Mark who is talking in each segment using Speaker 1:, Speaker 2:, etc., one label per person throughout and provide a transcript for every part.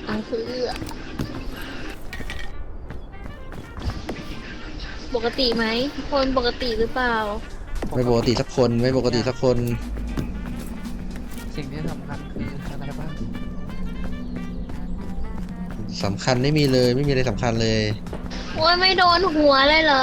Speaker 1: อังคือปกติไหมคนปกติหรือเปล่า
Speaker 2: ไม่ปกติสักคนไม่ปกติสักคน
Speaker 3: สิ่งที่สำคัญคืออะไรบ้าง
Speaker 2: สำคัญไม่มีเลยไม่มีอะไรสำคัญเลย
Speaker 1: โอ้ยไม่โดนหัวเลยเหรอ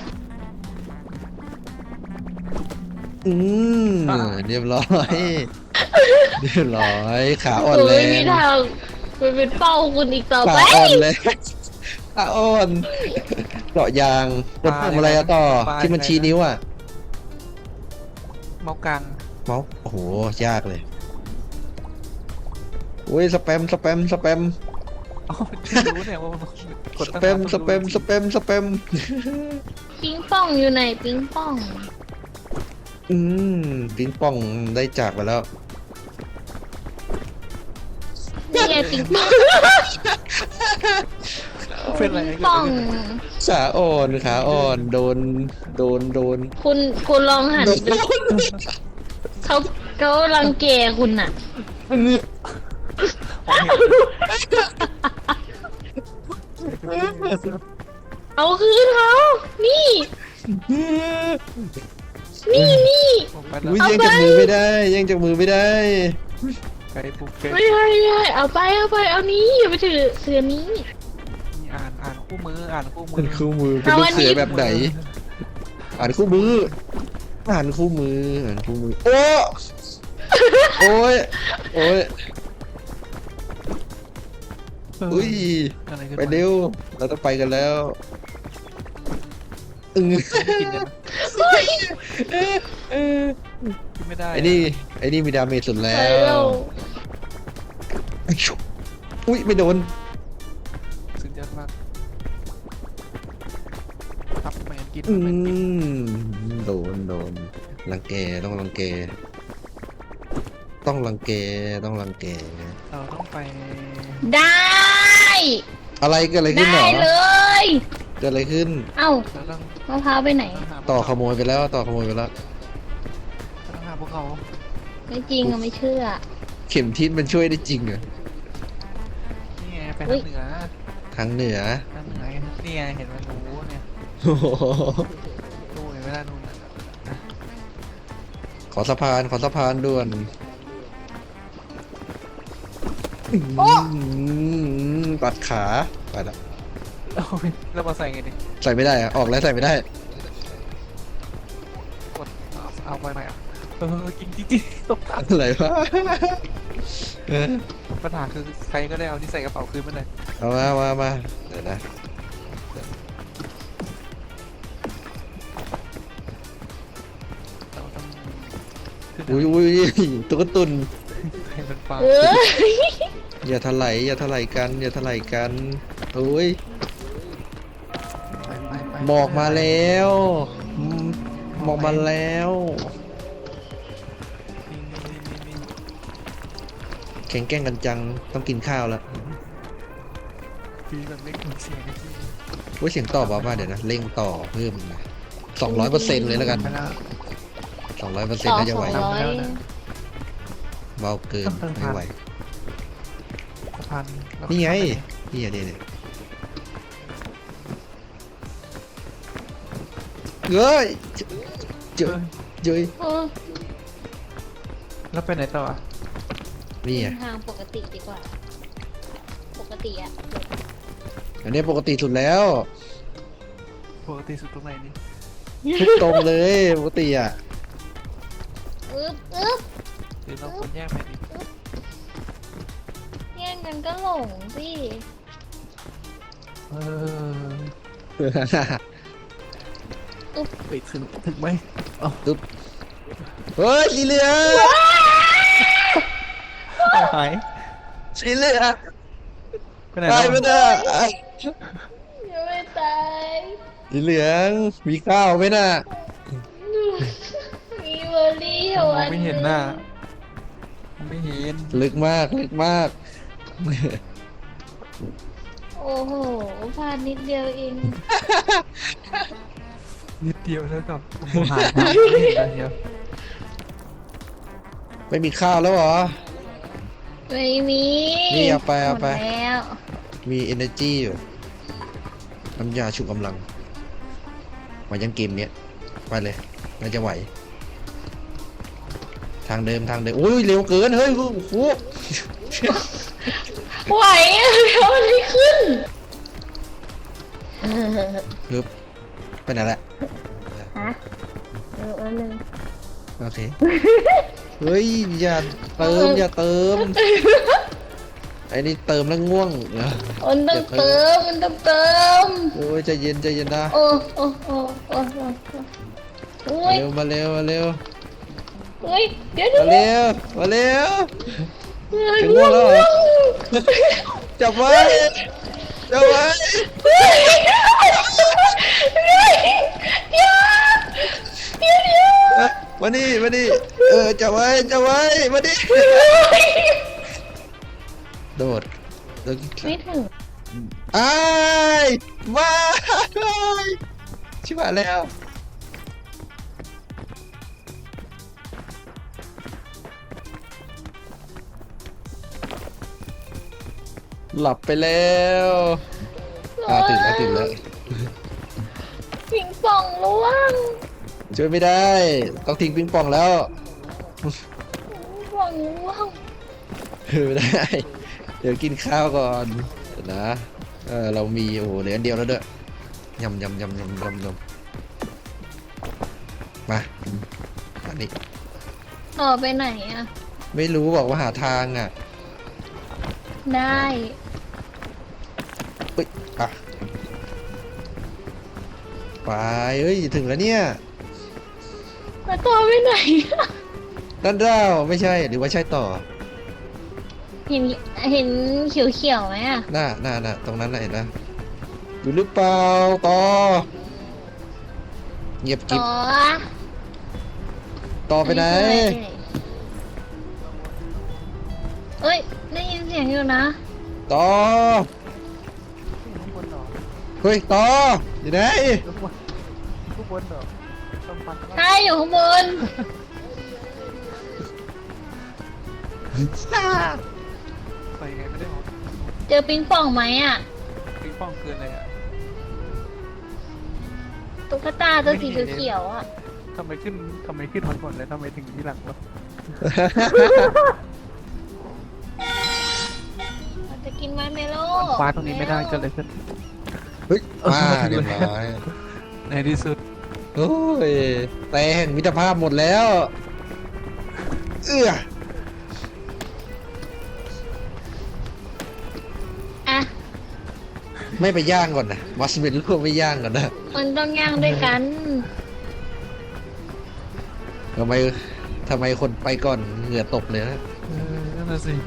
Speaker 2: อืมเรียบร้อยเรียบร้อยขาอ่อนแร
Speaker 1: ไม่มี
Speaker 2: ง
Speaker 1: ทางไปเป็นเป้าคุณอีกต่อ
Speaker 2: ขา
Speaker 1: ไป
Speaker 2: อ่อนเลยขาอ่อนเจาะยางกดปุ่มอะไรอะต่อที่มันชี้นิ้วอะ
Speaker 3: เมาส์กลาง
Speaker 2: เมาส์โอ้โหยากเลยโอ้ยสแปม
Speaker 3: อ๋อไม่รู้เนี่ยว่ามันกด
Speaker 2: ส
Speaker 3: ตั้ง
Speaker 2: แปม
Speaker 3: นาน
Speaker 2: สแปมสแปมสแปม
Speaker 1: ปิงป่องอยู่ไหนปิงป่อง
Speaker 2: อืมปิงป่องได้จากไปแล้ว
Speaker 1: นี่ไงปิงป่อง
Speaker 3: เป็นอะไร
Speaker 1: ปิง
Speaker 3: กัน
Speaker 1: ป่อง
Speaker 2: ขาอ่อนขาอ่อนโดน
Speaker 1: คุณลองหันไปเขารังแกคุณน่ะ เอาคืนเขานี่ นี่
Speaker 3: ผมไปแล้ว
Speaker 2: อุ้ยยังจากมือไม่ได้ยังจากมือไม่ได้
Speaker 3: ไกลปุ๊บเก
Speaker 1: ไม่ใช่เอาไปเอานี้อย่าไปถือนี้
Speaker 3: อ่านคู่มืออ่านคู่มื
Speaker 2: เป็
Speaker 3: อน
Speaker 2: คู่มือเป็นลูกเสือแบบไหนอ่านคู่มืออ่านคู่มืออ่านคู่มือโอ้ยอุ้ย
Speaker 3: อะไรกัน
Speaker 2: ไปเร็วเราต้องไปกันแล้วอึ้ง
Speaker 3: ไม่กินกันกินไม่ได้
Speaker 2: ไอ้นี่มีดาเมจสุด
Speaker 1: ไป
Speaker 2: แล้
Speaker 1: แล้ว ว
Speaker 2: อุ้ยไม่โดน
Speaker 3: สุดยอดมากทับแมนกิน
Speaker 2: อื
Speaker 3: แมนกิน
Speaker 2: มโดนรังแกต้องรังแกต้องรังแก
Speaker 3: เราต้องไป
Speaker 1: ได้
Speaker 2: อะไรเกิดอะไรขึ้นเหร
Speaker 1: ได้
Speaker 2: อ
Speaker 1: เลย
Speaker 2: เกิดอะไรขึ้น
Speaker 1: เอ้า
Speaker 3: เราต้อง
Speaker 1: มะพร้าวไปไหน
Speaker 2: ต่อขโมยไปแล้วต่อขโมยไปแล้ว
Speaker 3: ต้องหาพวกเขา
Speaker 1: ไม่จริงอะไม่เชื่อ
Speaker 2: เข็มทิศมันช่วยได้จริงเหรอ
Speaker 3: นี่ไงไป
Speaker 1: อุ๊
Speaker 3: ทางเหนือ
Speaker 2: ทางเหนือ
Speaker 3: ทางเหนือนี่ไงเห็นมันรู้เนี่ย
Speaker 2: โอ้โห
Speaker 3: ดูเห็นไหมล่ะนู่นน่ะ
Speaker 2: ขอสะพานด่วน
Speaker 1: โอ้
Speaker 2: ปัดขาไปละ
Speaker 3: เอาไปแล้วมาใส่ไงดิ
Speaker 2: ใส่ไม่ได้อะออกแล้วใส่ไม่ได้
Speaker 3: กดเอาไปไหนอ่ะกินจริงๆตกทัน
Speaker 2: อะไรวะเออ
Speaker 3: ปัญหาคือใครก็ได้เอาที่ใส่กระเป๋าคืนมาเลย
Speaker 2: เอามาเดี๋ยวนะ
Speaker 3: เราต้องขึ้น
Speaker 2: อุ้ยตุ๊กตุน
Speaker 3: ให้มันฟัง
Speaker 1: เออ
Speaker 2: อย่าถลายกันโอ้ย
Speaker 3: ไป
Speaker 2: หมอกมาแล้วอืมหมอกมาแล้ว
Speaker 3: นี่
Speaker 2: แข่งแกล้งกันจังต้องกินข้าวแล้ว
Speaker 3: คือแบบไม่คุ้นเสียงเลยที่
Speaker 2: ว่าเสียงต่อบอกว่าเดี๋ยวนะเร่งต่อเพิ่มนะ200%เลยแล้วกัน
Speaker 3: ไปแล้ว
Speaker 2: 200%
Speaker 1: ต่อ
Speaker 2: น่าจะไหว
Speaker 1: 200
Speaker 2: เบาเกินไม่ไหว
Speaker 3: สะพานแล้ว
Speaker 2: นี่ไงนี่อะเนี่ยเฮ้ยเจอ
Speaker 1: เออ
Speaker 3: แล้วไปไหนต่ออ่ะ
Speaker 2: นี่
Speaker 1: เดิ
Speaker 2: อ่ะ
Speaker 1: นทางปกติดีกว่า ปกติอะ
Speaker 2: อันนี้ปกติสุดแล้ว
Speaker 3: ปกติสุดตรงไหนนี่
Speaker 2: ทุกตรงเลยปกติอ่ะ
Speaker 1: อึ๊บ
Speaker 3: หรือเราควรแยกไปดิ
Speaker 1: แย่งกันก็หลงสิ
Speaker 3: เออไปถึงไหม
Speaker 2: เฮ้ยสีเหลือง
Speaker 3: เอาหาย
Speaker 2: สีเหลือง
Speaker 3: ไปไหน
Speaker 2: ไป
Speaker 3: แล้ว
Speaker 2: ไม่ได้
Speaker 1: ยังไม่ตาย
Speaker 2: สีเหลืองมีข้าวไหมน่ะ
Speaker 1: มีเบอร์รี่เหร
Speaker 3: มองไม่เห็นหน้าไม่เห็น
Speaker 2: ลึกมาก
Speaker 1: โอ้โหพลาดนิดเดียวเอง
Speaker 3: นิดเดียวแล้วกับหายไม่เห็นอะไรเดียว
Speaker 2: ไม่มีข้าวแล้วเหรอ
Speaker 1: ไม่มี
Speaker 2: นี่เอาไปเอาไป
Speaker 1: หมดแล้ว
Speaker 2: มี energy อยู่น้ำยาชุบกำลังมายังเกมเนี้ยไปเลยน่าจะไหว ทางเดิมโอ้ยเร็วเกินเฮ้ยโอ้โห
Speaker 1: ไหวอะแล้วมันไม่ขึ้น
Speaker 2: ฮึบไปไหนละ
Speaker 1: ฮะอันนึง
Speaker 2: โอเคเฮ้ยอย่าเติมไอ้นี่เติมแล้วง่วงเหรอ
Speaker 1: มันต้องเติมมันต้องเติม
Speaker 2: โอ้ยใจเย็นนะ
Speaker 1: โอ้โอ้โอ้โอ้โอ้ย
Speaker 2: มาเร็ว
Speaker 1: เฮ้ยเดี๋ยว
Speaker 2: มาเร็ว
Speaker 1: ถึ
Speaker 2: ถึงง่วงแล้วเหรอจับไว้เดี๋ยว มานี่จับไว้มาดิโดด
Speaker 1: ไม่ถึง
Speaker 2: อ้ายมาชิบหายแล้วหลับไปแล้วตื่นแล้ว
Speaker 1: ปิงปองล่วง
Speaker 2: ช่วยไม่ได้ต้องทิ้งปิงปองแล้ว
Speaker 1: ปิงปองล่วง
Speaker 2: ไม่ได้ เดี๋ยวกินข้าวก่อนเดี๋ยวนะเรามีโอ้โหเหลืออันเดียวแล้วด้วยยำมาอันนี้
Speaker 1: ต่อไปไหนอ่ะ
Speaker 2: ไม่รู้บอกว่าหาทางอ่ะ
Speaker 1: ได้
Speaker 2: เฮ้ยไปเอ้ยถึงแล้วเนี่ย
Speaker 1: แล้วต่อไปไหนอะ
Speaker 2: ด้านดาวไม่ใช่หรือว่าใช่ต่อ
Speaker 1: เห็นเขียวๆไหมอ่ะ
Speaker 2: หน้าตรงนั้นน่ะเห็นนะอยู่หรือเปล่าต่อเงียบกิ๊บ
Speaker 1: ต่อ
Speaker 2: ต่อไปไหน
Speaker 1: เอ้ยได้ยินเสียงอยู่นะ
Speaker 2: ต่อ
Speaker 3: ที่บนหรอ
Speaker 2: เฮ้ยต่ออยู่ไหน
Speaker 3: ทุกบนหรอต้องฟัน
Speaker 1: ใช่อยู่ข้างบน
Speaker 3: ไปไงไม่ได้หรอ
Speaker 1: เจอปิงปองไหมอ่ะ
Speaker 3: ปิงปองเกินเลยอ่ะ
Speaker 1: ตุ๊กตาตัวสีเขียวๆอ่ะ
Speaker 3: ทำไมขึ้นมาก่อนแล้วทำไมถึงที่หลังวะ
Speaker 1: เราจะกินไม้เมโล
Speaker 3: ฟ้าตรงนี้ไม่ได้เกิดอะไรขึ้น
Speaker 2: เฮ้ยมาเรียบร้อย
Speaker 3: ในที่สุด
Speaker 2: โอ้ยแต่แห่งมิตรภาพหมดแล้วเอื้อ
Speaker 1: อ่ะ
Speaker 2: ไม่ไปย่างก่อนนะมัสเมนลูกไม่ย่างก่อนนะ
Speaker 1: มันต้องย่างด้วยกัน
Speaker 2: ทำไมคนไปก่อนเหงื่อตกเลยนะ
Speaker 3: นั่นน่ะสิ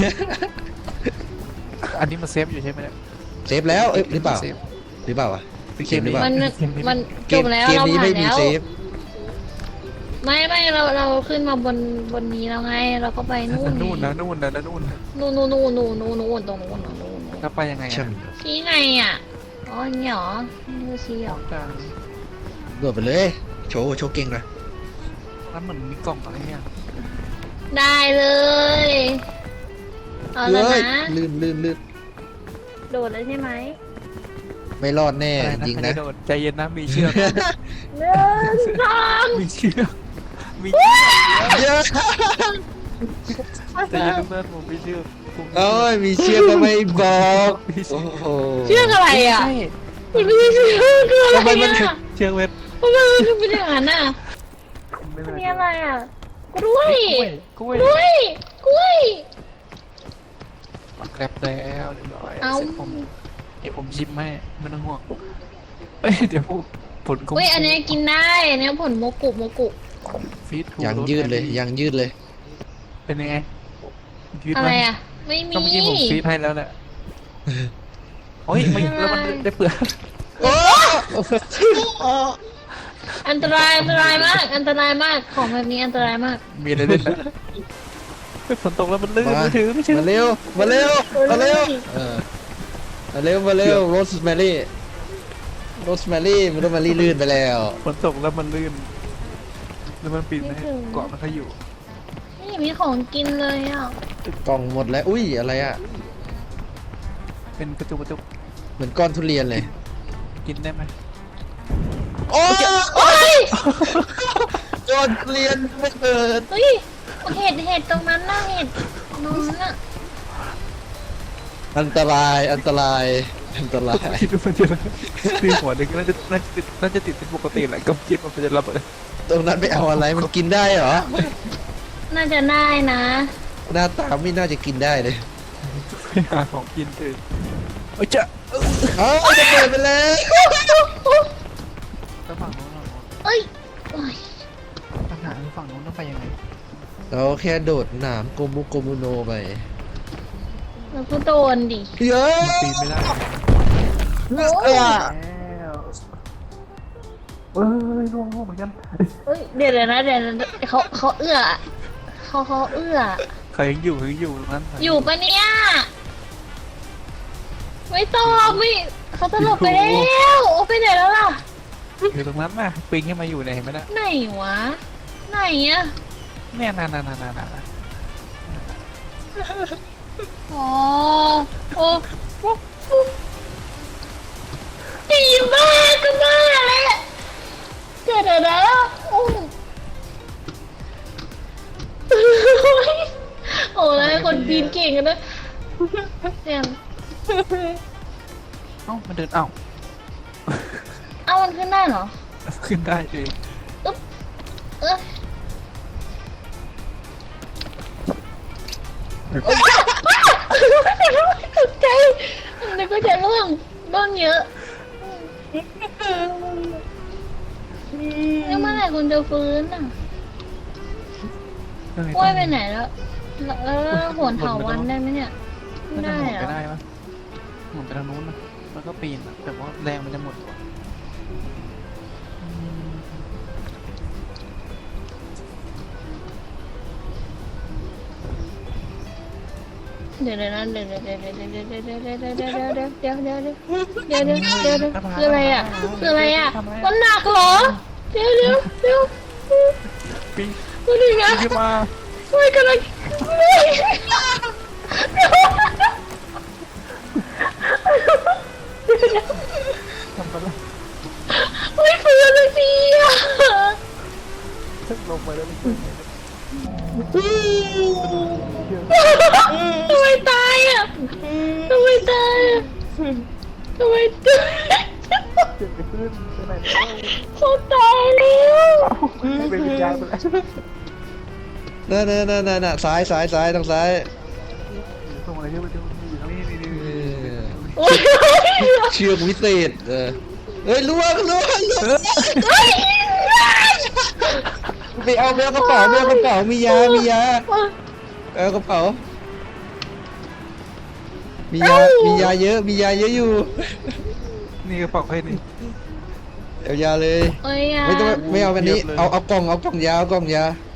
Speaker 3: อันนี้มันเซฟอยู่ใช่ไหมเนี่ย
Speaker 2: เซฟแล้วเอ้ยหรือเปล่า
Speaker 3: เซฟ
Speaker 2: หรือเปล่าวะ
Speaker 3: คือ
Speaker 2: เกมหรือเปล่า
Speaker 1: มัน
Speaker 2: เก
Speaker 1: จ
Speaker 2: ม
Speaker 1: บแล้ว
Speaker 2: เกม
Speaker 1: เรา
Speaker 2: นี้
Speaker 1: ผ่า
Speaker 2: ไม่
Speaker 1: น
Speaker 2: มี
Speaker 1: แล้ว
Speaker 2: เซฟ
Speaker 1: ไม่เราขึ้นมาบนนี้แล้วไง เราก็ไปนู่น
Speaker 3: นู่นนะ
Speaker 1: นู่นตรงนู้น
Speaker 3: แล้วไปยังไง
Speaker 2: ใช่
Speaker 3: อ่ะ
Speaker 2: ไหม
Speaker 1: ชี้ไงอ่ะอ๋อนี่หรอนี่คือชี้หรอ
Speaker 3: กลาง
Speaker 2: โดดไปเลยโชว์เก่งหนะ
Speaker 3: แล้วเหมือนมีกล่องอะไรเนี่ย
Speaker 1: ได้เลยเอาแล้วนะ
Speaker 2: ลื่น
Speaker 1: โดดเลยใช่ไหม
Speaker 2: ไม่รอดแน่
Speaker 3: อะไร
Speaker 2: จริง
Speaker 3: ใค
Speaker 2: นะ
Speaker 3: จโดดใจเย็นนะมีเชือก
Speaker 1: หนึ่งสอง
Speaker 3: มีเชือกมี
Speaker 2: เยอะ
Speaker 3: ใจเย็นเพื่อนผมมีเชือกผม
Speaker 2: โอ้ยมีเชือกก็ไม่บอกโอ้โห
Speaker 1: เชือกอะไรอ่ะ
Speaker 3: ใช่
Speaker 1: มันไม่ใช่เชือกคืออะไร
Speaker 2: ทำไมมัน
Speaker 1: อ่ะ
Speaker 3: เชือกเวท
Speaker 1: ทำไมมันถึงเป็นอย่างนั้นอ่ะ
Speaker 3: ไม่
Speaker 1: มัน
Speaker 3: เป็น
Speaker 1: มีอะไรอ่ะกล้วย
Speaker 3: กล้วย
Speaker 1: กล้วย
Speaker 3: แกร็บแล้วเรียบร้อย
Speaker 1: เอา
Speaker 3: เสร็จผมเดี๋ยวผมชิมให้ไม่ต้องห่วงเอ้ยเดี๋ยวผล
Speaker 1: เฮ้ยอันนี้กินได้อันนี้ผลโมกุ
Speaker 3: ฟีดทู
Speaker 2: ยังยืดเลยยังยืดเลย
Speaker 3: เป็นยังไงยืด
Speaker 1: อะ
Speaker 3: ไหม
Speaker 1: ไรอ่ะ ไม่มี
Speaker 3: ก็เมื่อกี้ผมฟีดให้แล้วแหละโอ้ยไม่แล้วมันได้เปลือก
Speaker 2: โอ้
Speaker 1: อันตรายมากอันตรายมากของแบบนี้อันตรายมาก
Speaker 3: มีอะไรเล่นนะฝนตกแล้วมันลื่นไม่ถือ
Speaker 2: มาเร็วมาเร็วมาเร็วโรสแมรี่ลื่นไปแล้ว
Speaker 3: ฝนตกแล้วมันลื่นแล้วมันปีนไหมเกาะมันเขาอยู่
Speaker 1: ไม่มีของกินเลยอ่ะ
Speaker 2: กล่องหมดแล้วอุ้ยอะไรอ่ะ
Speaker 3: เป็นกระจุกกระจุก
Speaker 2: เหมือนก้อนทุเรียนเลย
Speaker 3: กินได้ไหม
Speaker 2: โอ้ย
Speaker 1: โอ้ย
Speaker 2: ก้อนทุเรียนไม่เปิด
Speaker 1: เฮ้ยเห็ดตรงนั้นน่ะเห็ดนอนน่ะ
Speaker 2: อันตรายอันตรายอันตราย
Speaker 3: คิดว่ามันจะตีหัวหนึ่งน่าจะติดเป็นปกติแหละก็คิดว่ามันจะระเบิด
Speaker 2: ตรงนั้นไปเอาอะไรมันกินได้เหรอ
Speaker 1: น่าจะได้นะ
Speaker 2: หน้าตาไม่น่าจะกินได้เลย
Speaker 3: ไปหาของกินเลยเอ้ยจะ
Speaker 2: เอ้าจะเปิดไปแล้ว
Speaker 3: แล้วฝั่งโน้นเรา
Speaker 1: เอ้ยโอ้ย
Speaker 3: ปัญหาคือฝั่งโน้นต้องไปยังไง
Speaker 2: เราแค่โดดหนามโกมุโกมุโนไป
Speaker 1: แล้วก็โดนดิ
Speaker 2: เยอะ
Speaker 3: ปีนไม่ได้
Speaker 2: เอ้ย
Speaker 3: แล้วเอ้ยร่วงเหมือนกัน
Speaker 1: เอ้ยเดี๋ยวนะเขาเอื้อเขาเอื้อ
Speaker 3: ใครยังอยู่ตรงนั้น
Speaker 1: อยู่ปะเนี่ยไม่ต้องไม่เขาตลบไปแล้วโอ้ไปไหนแล้วล่ะ
Speaker 3: อยู่ตรงนั้นน่ะปีนขึ้นมาอยู่เนี่ยเห็นไหมน่ะ
Speaker 1: ไหนวะไหนอะ
Speaker 3: เนี่ยน่ะ
Speaker 1: อ๋อโอ้ดีมากก็มาแล้วเกิดอะไรแล้วโอ้โอ้แล้วคนปีนเก่งกันนะเนี่ย
Speaker 3: เอ้ามันเดินเอ้า
Speaker 1: เอามันขึ้นได้เหรอ
Speaker 3: ขึ้นได้เอง
Speaker 1: เอ้ยตกใจนึกว่าจะร่วงเยอะแล้วเมื่อไหร่คุณจะฟื้นอ่ะกล้วยไปไหนแล้วโหนเถาวันได้ไหมเนี่ยไม่
Speaker 3: น่า
Speaker 1: ได้
Speaker 3: จะหมุน
Speaker 1: เหรอ
Speaker 3: ไปได้ปะหมุนไปทางนู้นนะแล้วก็ปีนอะแต่ว่าแรงมันจะหมดก่อนอืม
Speaker 1: เดี๋ยวนะเดี๋ยวคืออะไรอ่ะคืออะไรอ่ะมันหนักเหรอเดี๋ยว
Speaker 3: ปีน
Speaker 1: ดูดินะ
Speaker 3: ขึ้นมา
Speaker 1: ไม่กำลัง
Speaker 3: ทำไปแล้ว
Speaker 1: ไม่ฟื้นเลยสิอ่ะ
Speaker 3: ลงไปแล้วไม่ขึ้นเลย
Speaker 1: ทำไมตายอ่ะทำไมตายอ่ะทำไมตาย
Speaker 3: เจ็บไปขึ้นไปไหนแล้ว
Speaker 1: เขาตายแล้ว
Speaker 3: เป็นวิญญาณไปแล้ว
Speaker 2: น่ะซ้ายทางซ้าย
Speaker 3: ส่งอะไรเยอะไปดูอยู่ตรงนี้นี่
Speaker 1: โอ้ย
Speaker 2: เชือกวิเศษเฮ้ยล่วงไปเอากระเป๋ามียาเอากระเป๋ามียาเยอะอยู่
Speaker 3: นี่กระเป๋าใครนี่
Speaker 2: เอายาเลย
Speaker 1: โอ้ยอ่ะ
Speaker 2: ไม่เอาแบบนี้
Speaker 3: เทียบเลย
Speaker 2: เอากล่องยากล่อง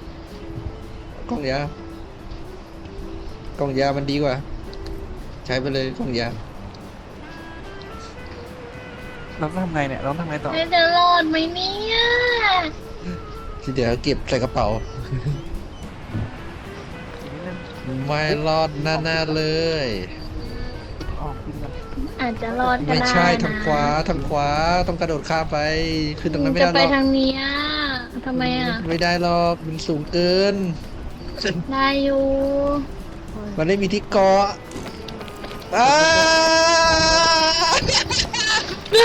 Speaker 2: ยามันดีกว่า ใช้ไปเลยกล่องยา
Speaker 3: เราต้องทำไงเนี่ยเราต้องทำไงต่อ
Speaker 1: จะรอดไหมเนี่ย
Speaker 2: ที่เดี๋ยวเก็บใส่กระเป๋า
Speaker 3: อีกนิดนึง
Speaker 2: ไม่รอดแน่ๆเลย
Speaker 3: ออกกินกัน
Speaker 1: อาจจะรอดก็
Speaker 2: ไม่
Speaker 1: ได้
Speaker 2: ใช่
Speaker 1: นะ
Speaker 2: ทางขวาต้องกระโดดข้ามไปคือตรงนั้นไม่
Speaker 1: จะ
Speaker 2: ได้
Speaker 1: ไป
Speaker 2: หรอก
Speaker 1: ทางเนี้ยทำไมอ่ะ
Speaker 2: ไม่ได้หรอกมันสูงเกิน
Speaker 1: ได้อยู่
Speaker 2: มันไม่มีที่เกาะอ้า
Speaker 1: ได้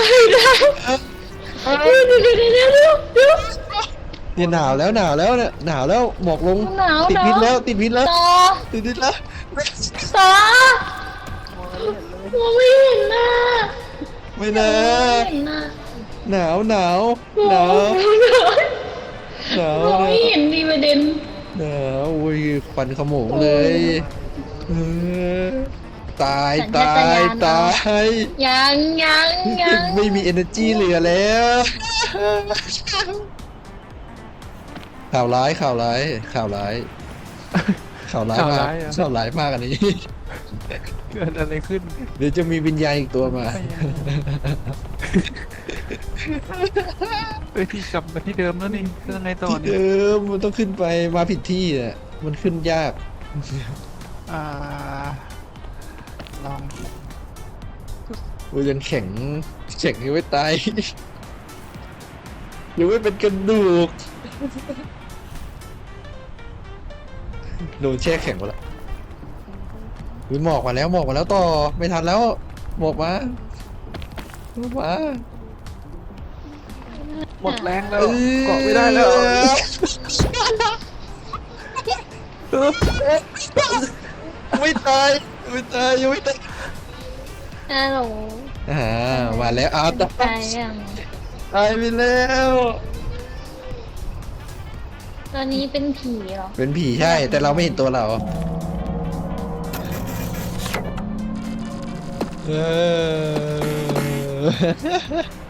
Speaker 2: เนี่ยหนาวแล้วเนี่ยหมอกลง
Speaker 1: หนาว
Speaker 2: ติดพิษแล้วติดพิษแล้ว
Speaker 1: ต่อ
Speaker 2: ติดพิษแล้ว
Speaker 1: ต่อมองไม่เห็นหน้า
Speaker 2: ไม่นะ
Speaker 1: มองไม่เห็นหน้า
Speaker 2: หนาว
Speaker 1: มองไม่เห็นดีประเด็น
Speaker 2: หนาวอุ้ยควันขโมงเลยเออตาย
Speaker 1: ยัง
Speaker 2: ไม่มี energy เหลือแล้วข่าวร้ายมากข่าวร้ายมากอันนี้
Speaker 3: เกิดอะไรขึ้น
Speaker 2: เดี๋ยวจะมีวิญญาณอีกตัวมา
Speaker 3: ที่กลับมาที่เดิมแล้วนี่คือยังไงต่อ
Speaker 2: ที่
Speaker 3: เนี่ย
Speaker 2: เดิมมันต้องขึ้นไปมาผิดที่อ่ะมันขึ้นยาก
Speaker 3: อ่าลอง
Speaker 2: กูยังแข็งยังไม่ตาย ยังไม่เป็นกระดูกโดนแช่แข็งหมดแล้วมีหมอกมาแล้วต่อไม่ทันแล้วหมอกมาหมอกมา
Speaker 3: หมดแรงแล้วเกาะไม่ได้แล้ว
Speaker 2: ไม่ตายยังไม่ตาย
Speaker 1: ฮัลโหล
Speaker 2: มาแล้วเอา
Speaker 1: ตายยัง
Speaker 2: ตายไปแล้ว
Speaker 1: ตอนนี้เป็นผีเหรอ
Speaker 2: เป็นผีใช่ แต่เราไม่เห็นตัวเราเออ